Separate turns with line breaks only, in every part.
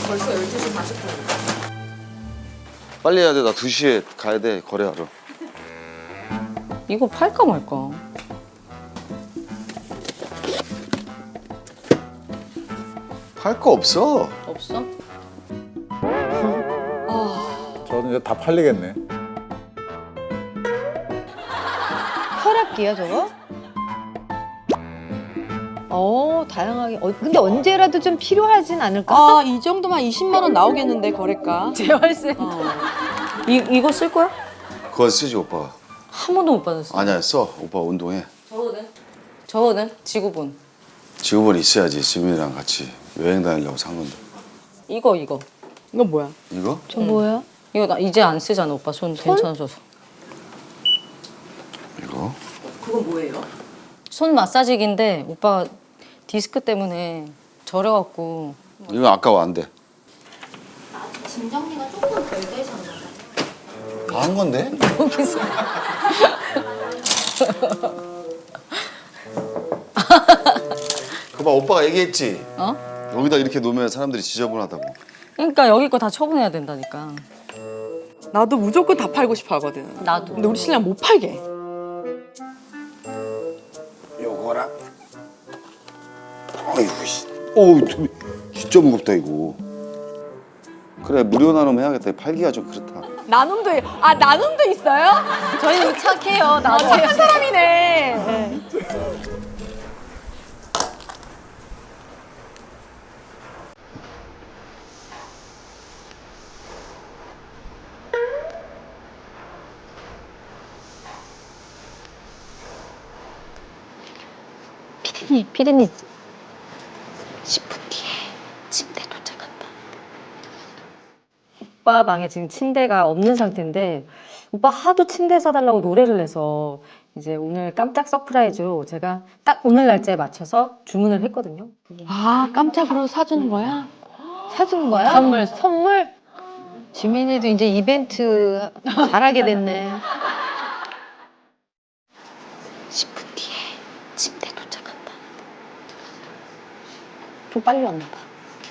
벌써 12시 40분.
빨리 해야 돼. 나 2시에 가야 돼. 거래하러.
이거 팔까 말까?
팔 거 없어.
없어?
저는 이제 다 팔리겠네.
혈압기야 저거? 다양하게. 근데 언제라도 좀 필요하진 않을까?
아, 이 정도면 20만 원 나오겠는데 거래가.
재활센터. 이거 쓸 거야?
그건 쓰지 오빠가.
한 번도 못 받았어.
아니야 써. 오빠 운동해.
저거는 지구본.
직업은 있어야지. 지민이랑 같이 여행 다니려고 산 건데.
이거.
이거 뭐야?
이거?
저 뭐야?
이거 나 이제 안 쓰잖아 오빠. 손 괜찮아져서.
이거?
그건 뭐예요?
손 마사지기인데 오빠 디스크 때문에 저려갖고.
이거 아까워 안 돼.
짐 정리가 조금 덜 되셨나 봐요.
다 한 건데?
여기서.
그봐 오빠가 얘기했지.
어?
여기다 이렇게 놓으면 사람들이 지저분하다고.
그러니까 여기 거 다 처분해야 된다니까.
나도 무조건 다 팔고 싶어 하거든.
나도.
근데 우리 신랑 못 팔게.
요거랑. 어이구 씨. 어우 진짜 무겁다 이거. 그래 무료 나눔 해야겠다. 팔기가 좀 그렇다.
나눔도 나눔도 있어요?
저희는 착해요. 나도.
착한 사람이네.
피디님 10분 뒤에 침대 도착한다. 오빠 방에 지금 침대가 없는 상태인데 오빠 하도 침대 사달라고 노래를 해서 이제 오늘 깜짝 서프라이즈로 제가 딱 오늘 날짜에 맞춰서 주문을 했거든요.
아, 깜짝으로 사주는 거야?
사주는 거야? 선물? 지민이도 이제 이벤트 잘하게 됐네. 10분 뒤에 침대 도착한다. 좀 빨리 왔나 봐.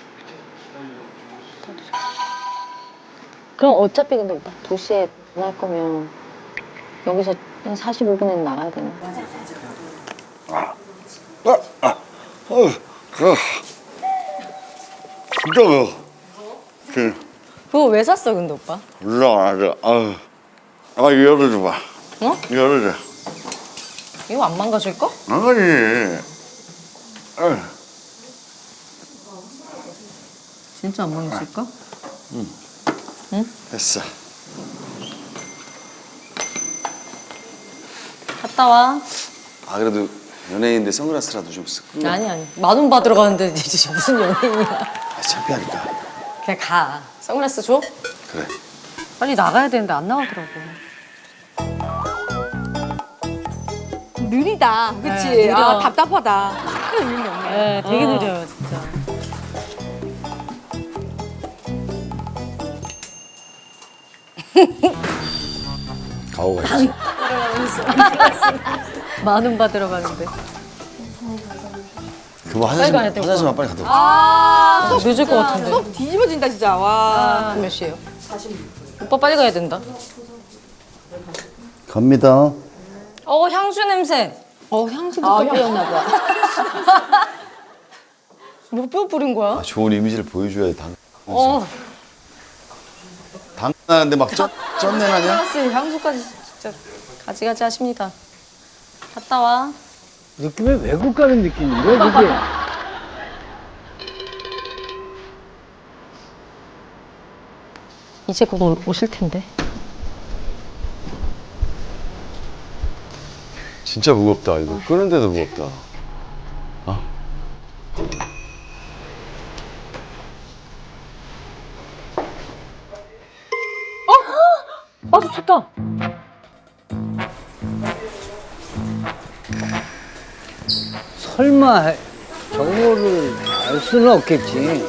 그럼 어차피 근데 오빠 2시에 할 거면 여기서 한 45분에 나가야 되는 거야.
진짜 뭐.
그거 왜 샀어 근데 오빠?
올라와라. 이거 열어줘봐.
어?
열어줘.
이거 안 망가질까?
아니.
진짜 안 망가질까?
됐어.
갔다 와.
그래도 연예인인데 선글라스라도 좀 쓰고.
아니. 10,000원 받으러 가는데 이제 무슨 연예인이야.
창피하니까.
그냥 가. 선글라스 줘?
그래.
빨리 나가야 되는데 안 나가더라고.
느리다. 그치?
네, 느려.
아, 답답하다. 큰 의미 없네.
네, 되게 느려요 진짜.
가오 가야지.
10,000원 받으러 가는데.
그거
빨리 가야 돼,
화장실만 빨리 갔다 와.
아,
늦을 것 같은데.
속 뒤집어진다, 진짜. 와.
몇 시에요? 오빠 빨리 가야 된다.
갑니다.
향수 냄새.
향수도 또 뿌렸나 봐.
몇 뿌린 거야?
좋은 이미지를 보여줘야 당.
어.
당나는데 막 쩐내 나냐?
플러스 향수까지 진짜 가지가지 하십니다. 갔다 와.
느낌이 외국 가는 느낌인데, 그게?
이제 곧 오실 텐데.
진짜 무겁다. 이거 끄는데도 무겁다.
좋다.
설마 저거를 알 수는 없겠지.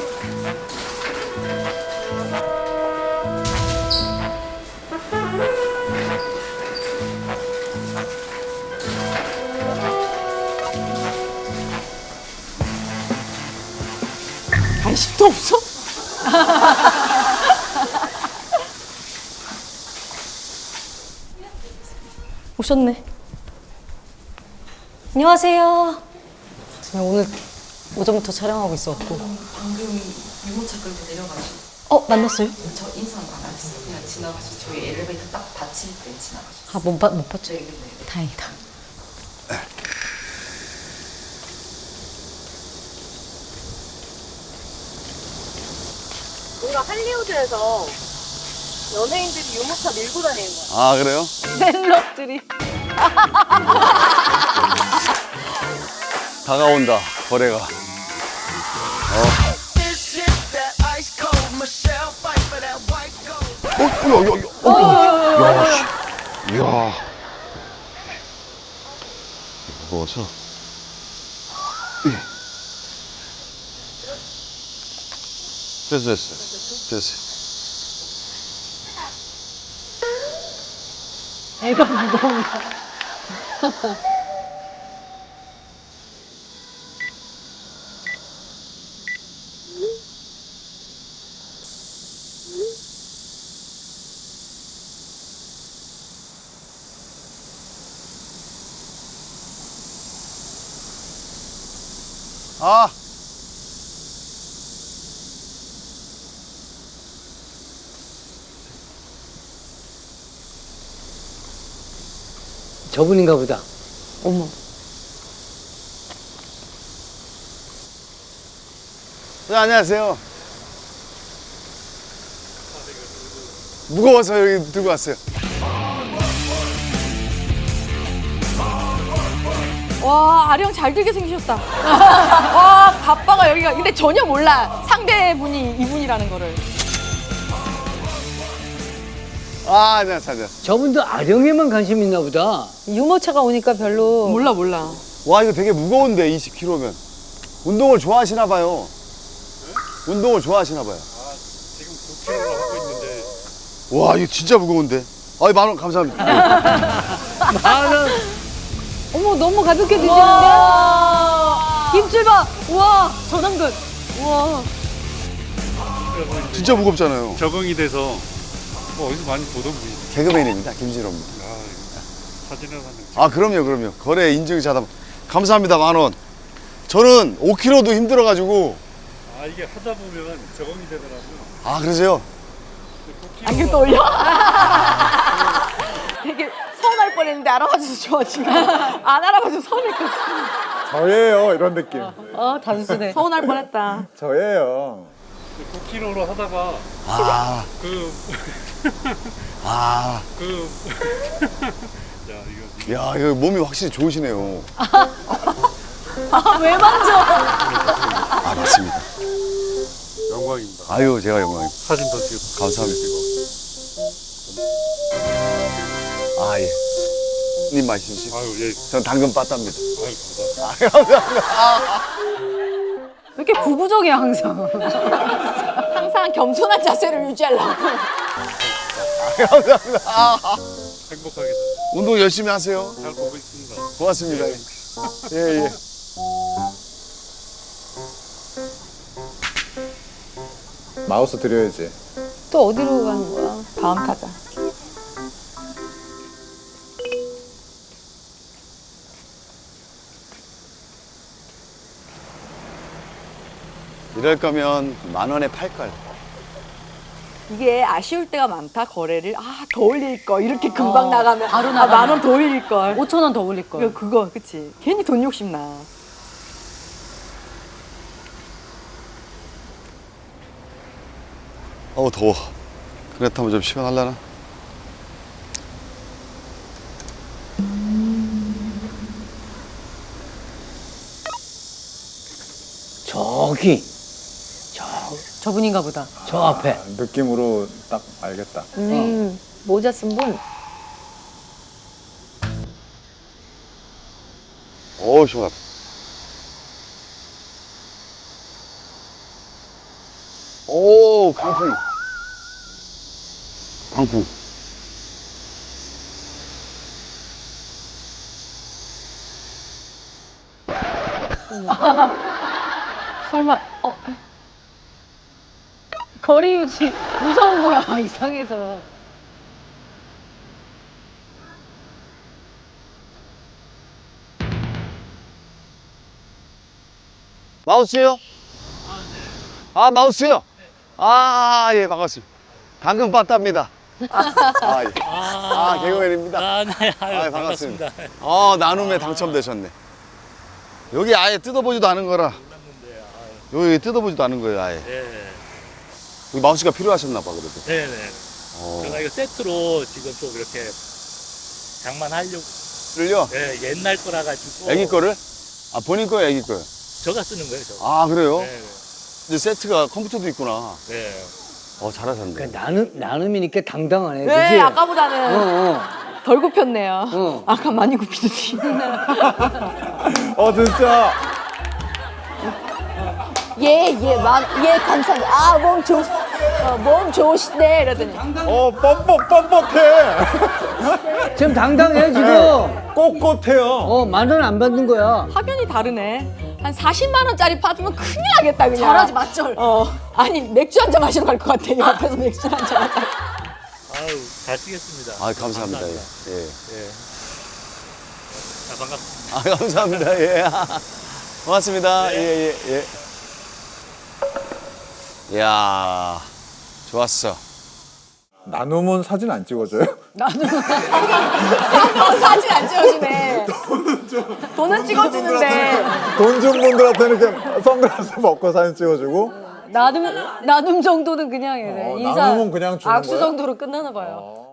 관심도 없어?
오셨네. 안녕하세요. 제가 오늘 오전부터 촬영하고 있었고.
방금 유모차 끌고 내려가시고
만났어요?
저 인사는 안 하셨어요. 그냥 지나가시고 저희 엘리베이터 딱 닫힐 때 지나가셨어요.
못 봤죠?
네, 네, 네.
다행이다.
뭔가 할리우드에서 연예인들이 유모차 밀고 다니는 거야.
아 그래요?
셀럽들이.
다가온다 거래가. 야, 씨. 이야. 무거워서. 됐어.
애가 무거운가?
아.
저분인가 보다.
어머.
네, 안녕하세요. 무거워서 여기 들고 왔어요.
와, 아령 잘 들게 생기셨다. 와, 바빠가 여기가. 근데 전혀 몰라. 상대분이 이분이라는 거를.
아, 안녕하세요.
저분도 아령에만 관심 있나 보다.
유모차가 오니까 별로.
몰라.
와, 이거 되게 무거운데 20kg면. 운동을 좋아하시나 봐요. 운동을 좋아하시나 봐요.
지금 9kg로 하고 있는데.
와, 이거 진짜 무거운데. 아, 10,000원 감사합니다.
나는
어머, 너무 가볍게 드시는데? 입질 봐! 우와, 전완근. 우와.
진짜 무겁잖아요.
적응이 돼서 뭐 어디서 많이 보던 분이.
개그맨입니다. 김진호입니다.
사진을 봤는데.
아, 그럼요. 거래 인증자담. 감사합니다. 10,000원. 저는 5kg도 힘들어가지고.
아 이게 하다 보면 적응이 되더라고요.
아, 그러세요?
안경 또 올려? 되게 서운할 뻔했는데 알아봐줘서 좋아, 지금. 안 알아봐줘서 서운했거든.
저예요 이런 느낌.
단순해.
서운할 뻔했다.
저예요.
9kg로 하다가
아,
그
아.
야 이거
야, 이거 몸이 확실히 좋으시네요.
왜 만져?
아, 맞습니다.
영광입니다.
아유, 제가 영광입니다.
사진 더 찍어.
감사합니다. 아, 예. 님 마시십시오.
아유 예.
전 당근 빠따입니다.
아유 감사합니다.
왜 이렇게 구구적이야, 항상.
항상 겸손한 자세를 유지하려고.
행복하게
운동 열심히 하세요.
잘 보고 있습니다.
고맙습니다. 예.
마우스 드려야지.
또 어디로 가는 거야?
다음 타자.
이럴 거면 10,000원에 팔걸.
이게 아쉬울 때가 많다, 거래를. 아, 더 올릴 거. 이렇게 금방 나가면.
바로
아,
나가면.
10,000원 더 올릴 걸.
5,000원 더 올릴 걸.
그거, 그치. 괜히 돈 욕심 나.
어우, 더워. 그렇다면 좀 시원하려나?
저기
저분인가 보다.
저 앞에.
느낌으로 딱 알겠다.
모자 쓴 분.
어우, 시원하다. 오, 강풍.
설마,
거리 유지 무서운 거야 이상해서.
마우스요? 아, 마우스요? 아, 예, 반갑습니다. 방금 봤답니다. 아, 예. 개그맨입니다.
네.
반갑습니다. 나눔에 당첨되셨네. 여기 아예 뜯어보지도 않은 거라. 여기 뜯어보지도 않은 거예요, 아예.
네.
여기 마우스가 필요하셨나 봐, 그래도.
네네. 제가 이거 세트로 지금 좀 이렇게 장만하려고.
를요?
네, 옛날 거라 가지고.
애기 거를? 아, 본인 거예요, 애기 거요?
저가 쓰는 거예요, 저.
아, 그래요?
네.
이제 세트가 컴퓨터도 있구나.
네.
잘하셨네.
그러니까 나눔이니까 당당하네.
네,
그치?
아까보다는 덜 굽혔네요.
어.
아까 많이 굽히더니.
진짜.
예, 감사합니다. 몸 좋으시네. 이러더니.
뻣뻣해.
지금 당당해, 지금.
꼿꼿해요.
만원 안 받는 거야.
확연히 다르네. 한 40만 원짜리 받으면 큰일 나겠다 그냥.
잘하지 맞절.
아니 맥주 한 잔 마시러 갈 것 같아. 옆에서 맥주 한 잔 하자.
아유, 잘 쓰겠습니다.
아, 감사합니다. 예. 예.
예. 자, 반갑습니다.
아, 감사합니다. 예. 고맙습니다. 예, 예, 예. 이야, 좋았어.
나눔은 사진 안 찍어줘요?
사진 안 찍어주네. 돈은 찍어주는데.
돈 준 분들한테는 이렇게 선글라스 벗고 사진 찍어주고.
나눔 정도는 그냥 해. 인사
나눔은 그냥 주는
악수
거야?
정도로 끝나나 봐요.